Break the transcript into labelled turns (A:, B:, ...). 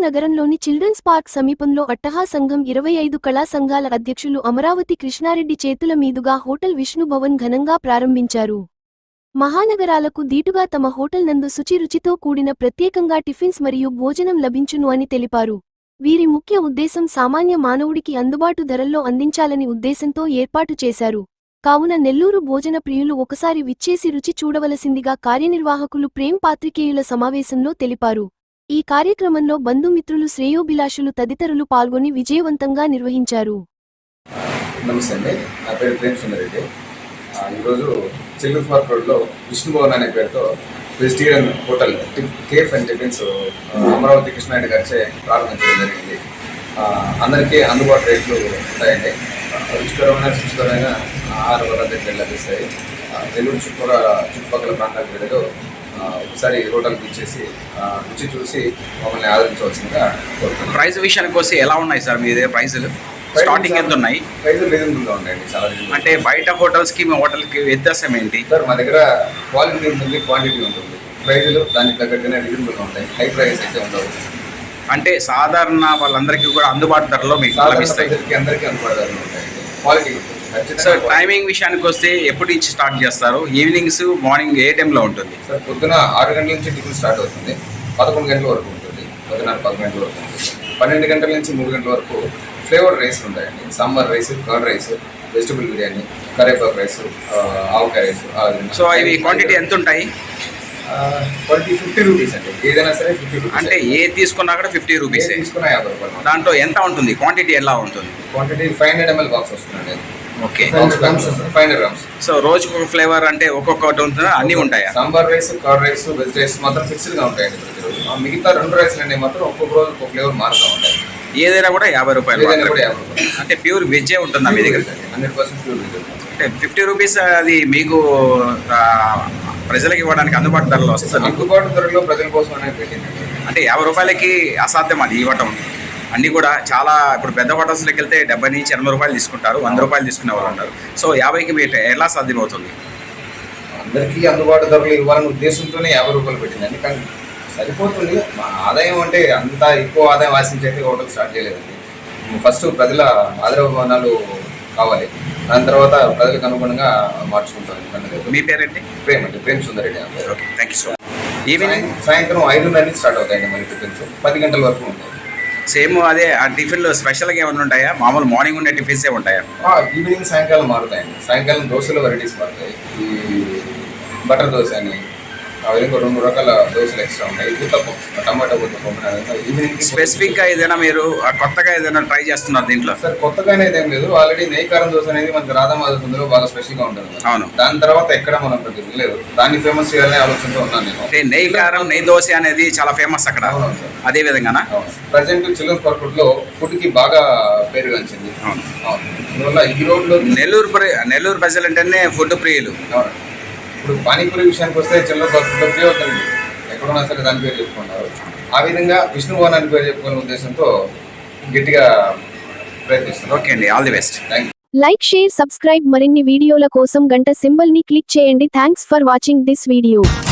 A: నగరంలోని children's park సమీపంలో అట్టహా సంఘం 25 కళా సంఘాల అధ్యక్షులు అమరావతి కృష్ణారెడ్డి చేతుల మీదుగా హోటల్ విష్ణు భవన్ ఘనంగా ప్రారంభించారు. మహానగరాలకు దీటుగా తమ హోటల్ నందు శుచి రుచితో కూడిన ప్రత్యేకంగా టిఫిన్స్ మరియు భోజనం లభించును అని తెలిపారు. వీరి ముఖ్య ఉద్దేశం సామాన్య మానవుడికి అందుబాటు ధరల్లో అందించాలని ఉద్దేశంతో ఏర్పాటు చేశారు. కావున నెల్లూరు భోజన ప్రియులు ఒకసారి విచ్చేసి రుచి చూడవలసిందిగా కార్యనిర్వాహకులు ప్రేమ్ పాత్రికేయుల సమావేశంలో తెలిపారు. ఈ కార్యక్రమంలో బంధుమిత్రులు, శ్రేయోభిలాషులు తదితరులు పాల్గొని విజయవంతంగా నిర్వహించారు.
B: నమస్తే అండి, నా పేరు ప్రేమ్ సుందరెడ్డి. ఈరోజు చిల్డ్రన్స్ పార్క్ రోడ్లో విష్ణు భవన్ అనే పేరుతో vegetarian hotel cafe and tiffins Amaravati Krishnareddy గారిచే ప్రారంభించడం జరిగింది. అందరికీ అందుబాటు రేట్లు ఉంటాయండి. రుచికరమైన ఆహార పదార్థాలు లభిస్తాయి. నెల్లూరు చుట్టుపక్కల ప్రాంతాలకు వెళ్ళదో ఒకసారి హోటల్కి ఇచ్చేసి రుచి చూసి మమ్మల్ని ఆదరించవలసిందిగా కోరుతున్నాను.
C: ప్రైస్ విషయానికి వస్తే ఎలా ఉన్నాయి సార్ మీ దగ్గర ప్రైజులు? స్టార్టింగ్ ఎంత ఉన్నాయి?
B: ప్రైజులు రీజనబుల్గా ఉన్నాయండి, చాలా రీజనబుల్.
C: అంటే బయట హోటల్స్కి మీ హోటల్కి వ్యత్యాసం ఏంటి
B: సార్? మా దగ్గర క్వాలిటీ ఉంటుంది, క్వాంటిటీ ఉంటుంది. ప్రైజులు దానికి తగ్గట్టుగానే రీజనబుల్గా ఉంటాయి. హై ప్రైస్ అయితే ఉండవు.
C: అంటే సాధారణ వాళ్ళందరికీ కూడా అందుబాటు ధరలో మీకు లభిస్తాయి.
B: అందరికీ అందుబాటు ధరలు ఉంటాయి. క్వాలిటీ
C: సార్, టైమింగ్ విషయానికి వస్తే ఎప్పుడు నుంచి స్టార్ట్ చేస్తారు? ఈవినింగ్స్, మార్నింగ్ ఏ టైంలో ఉంటుంది?
B: సార్, పొద్దున 6 గంటల నుంచి టిఫిన్ స్టార్ట్ అవుతుంది. 11 గంటల వరకు ఉంటుంది. 11 గంటల వరకు ఉంటుంది. 12 గంటల నుంచి 3 గంటల వరకు ఫ్లేవర్ రైస్ ఉంటాయండి. Sambar rice, curd rice, vegetable biryani, కరేపాకు రైస్, ఆవకాయ రైస్.
C: సో ఇవి క్వాంటిటీ ఎంత ఉంటాయి?
B: క్వాంటిటీ 50 రూపీస్ అండి. ఏదైనా సరే 50 రూపీస్.
C: అంటే ఏది తీసుకున్నా కూడా 50 రూపీస్.
B: తీసుకున్నా 50 రూపాయలు.
C: దాంట్లో ఎంత ఉంటుంది? క్వాంటిటీ ఎలా ఉంటుంది?
B: క్వాంటిటీ 500 ml బాక్స్ వస్తుందండి.
C: Okay,
B: 500 grams.
C: సో రోజుకు ఒక ఫ్లేవర్ అంటే ఒక్కొక్కటి ఉంటుందా? అన్నీ ఉంటాయా?
B: Sambar rice, curd rice, veg rice మాత్రం ఫిక్స్డ్గా ఉంటాయండి ప్రతిరోజు. మిగతా 2 రైస్లు అనేవి మాత్రం ఒక్కొక్క రోజు ఒక్కొక్క ఫ్లేవర్ మారుతూ ఉంటాయి.
C: ఏదైనా కూడా 50 రూపాయలు.
B: ఏదైనా కూడా 50 రూపాయలు.
C: అంటే ప్యూర్ వెజ్జే ఉంటుందా మీ దగ్గర?
B: 100% ప్యూర్ వెజ్.
C: అంటే 50 రూపీస్ అది మీకు ప్రజలకు ఇవ్వడానికి అందుబాటు ధరలో వస్తుంది.
B: అందుబాటు ధరలో ప్రజల కోసం అనేది పెట్టిందండి.
C: అంటే 50 రూపాయలకి అసాధ్యం అది ఇవ్వటం. అన్నీ కూడా చాలా ఇప్పుడు పెద్ద హోటల్స్లోకి వెళ్తే 70 నుంచి 80 రూపాయలు తీసుకుంటారు, 100 రూపాయలు తీసుకునే వాళ్ళు ఉంటారు. సో 50కి మీరు ఎలా సాధ్యమవుతుంది?
B: అందరికీ అందుబాటు ధరలు ఇవ్వాలనే ఉద్దేశంతోనే 50 రూపాయలు పెట్టిందండి. కానీ సరిపోతుంది. మా ఆదాయం అంటే అంత ఎక్కువ ఆదాయం ఆశించైతే హోటల్ స్టార్ట్ చేయలేదండి. ఫస్ట్ ప్రజల ఆదరాభిమానాలు కావాలి, దాని తర్వాత ప్రజలకు అనుగుణంగా మార్చుకుంటాం.
C: మీ పేరేంటి?
B: ప్రేమ్ అండి, Prem Sundareddy.
C: Okay, thank you so much. Evening
B: సాయంత్రం 5:30 నుంచి స్టార్ట్ అవుతాయండి మరి టిఫిన్స్. 10 గంటల వరకు ఉంటాయి.
C: సేమ్ అదే ఆ టిఫిన్లో స్పెషల్గా ఏమైనా ఉంటాయా? మామూలు మార్నింగ్ ఉండే టిఫిన్సే ఉంటాయా?
B: ఈవినింగ్ సాయంకాలం మారుతాయండి. సాయంకాలం దోశలో వెరైటీస్ మారుతాయి. ఈ బటర్ దోశ అని విధంగా 2 రకాల దోశలు ఎక్స్ట్రా ఉంటాయి. ఊతప్పం, టమాటా ఊతప్పం. ఈవినింగ్
C: స్పెసిఫిక్గా ఏదైనా మీరు కొత్తగా ఏదైనా ట్రై చేస్తున్నారు దీంట్లో?
B: సార్, కొత్తగా అనేది ఏం లేదు. ఆల్రెడీ నెయ్యి కారం దోశ అనేది మనకి రాధామాధంలో బాగా స్పెషల్గా ఉంటుంది.
C: అవును.
B: దాని తర్వాత ఎక్కడ మనం లేదు, దాన్ని ఫేమస్ చేయాలనే ఆలోచనతో ఉన్నాను నేను.
C: అంటే నెయ్యి కారం, నెయ్యి దోశ అనేది చాలా ఫేమస్ అక్కడ. అదే విధంగానా?
B: ప్రజెంట్ చిల్డ్రన్స్ పార్క్ లో ఫుడ్ కి బాగా పేరుగాంచింది. అందువల్ల ఈ రోడ్లో
C: నెల్లూరు ప్రజలు అంటేనే ఫుడ్ ప్రియులు.
B: ఇప్పుడు పానీపూరి విషయానికి వస్తే చిల్డ్రన్స్ పార్క్ లో ప్రియవుతుంది. ఎక్కడున్నా సరే దాని పేరు చెప్పుకున్నారు. ఆ విధంగా విష్ణు భవన్ అని పేరు చెప్పుకునే ఉద్దేశంతో గట్టిగా ప్రయత్నిస్తున్నాం.
C: ఓకే అండి, all the best.
B: Thank you.
A: Like, share, subscribe. మరిన్ని వీడియోల కోసం గంట సింబల్ ని క్లిక్ చేయండి. Thanks for watching this video.